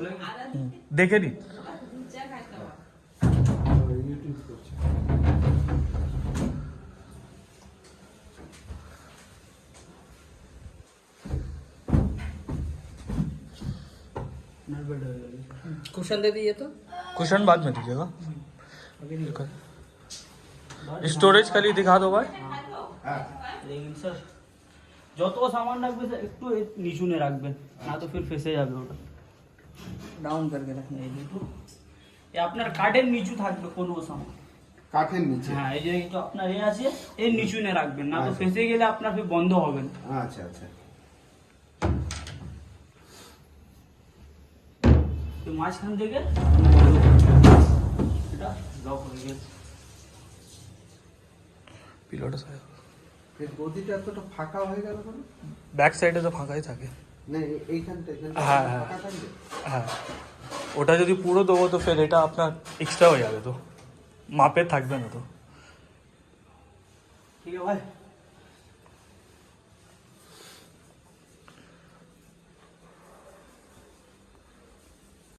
দেখে নি ইউটিউব করছে। कुशन दे दिए तो कुशन बाद में दीजिएगा स्टोरेज खाली दिखा दो भाई लेकिन सर যত সামান রাখবে স্যার একটু নিচুনে রাখবেন না তো ফির ফেসে যাবে ওটা ডাউন करके रखना है देखो ये আপনার কাঠের নিচু থাকবে কোনো সামান কাঠের নিচে। হ্যাঁ এই যে তো আপনার এই আছে এর নিচুনে রাখবেন না তো ফেসে গেলে আপনার ফির বন্ধ হবে না আচ্ছা আচ্ছা। তো মাঝখান থেকে এটা লক হয়ে গেছে পিলোটা সাইড এর গদিটা এতটা ফাঁকা হয়ে গেল কেন? ব্যাক সাইডে তো ফাঁকাই থাকে না এইখানটা হ্যাঁ হ্যাঁ ফাঁকা থাকবে। হ্যাঁ ওটা যদি পুরো দেবো তো ফের এটা আপনার এক্সট্রা হয়ে যাবে তো মাপে থাকবে না তো ঠিক আছে ভাই